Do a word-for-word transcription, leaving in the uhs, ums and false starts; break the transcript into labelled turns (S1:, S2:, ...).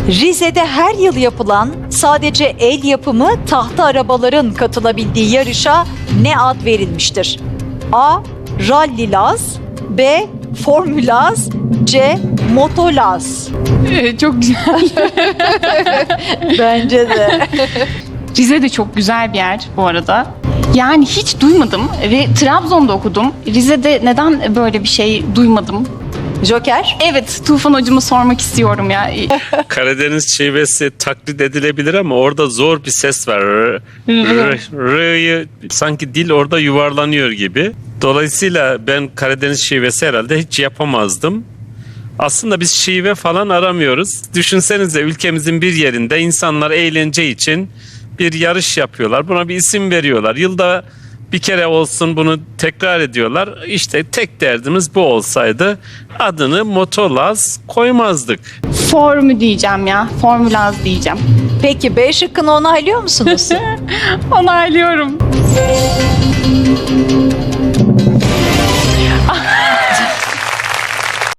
S1: Rize'de her yıl yapılan sadece el yapımı tahta arabaların katılabildiği yarışa ne ad verilmiştir? A. Rally Laz, B. Formülaz, C. Motolaz.
S2: Ee, çok güzel.
S1: Bence de.
S2: Rize de çok güzel bir yer bu arada. Yani hiç duymadım ve Trabzon'da okudum. Rize'de neden böyle bir şey duymadım?
S1: Joker.
S2: Evet, Tufan hocama sormak istiyorum ya.
S3: Karadeniz şivesi taklit edilebilir ama orada zor bir ses var. R, r, r'yı sanki dil orada yuvarlanıyor gibi. Dolayısıyla ben Karadeniz şivesi herhalde hiç yapamazdım. Aslında biz şive falan aramıyoruz. Düşünsenize, ülkemizin bir yerinde insanlar eğlence için bir yarış yapıyorlar. Buna bir isim veriyorlar. Yılda bir kere olsun bunu tekrar ediyorlar. İşte tek derdimiz bu olsaydı adını Motolaz koymazdık.
S2: Formü diyeceğim ya, Formülaz diyeceğim.
S1: Peki B şıkkını onaylıyor musunuz?
S2: Onaylıyorum.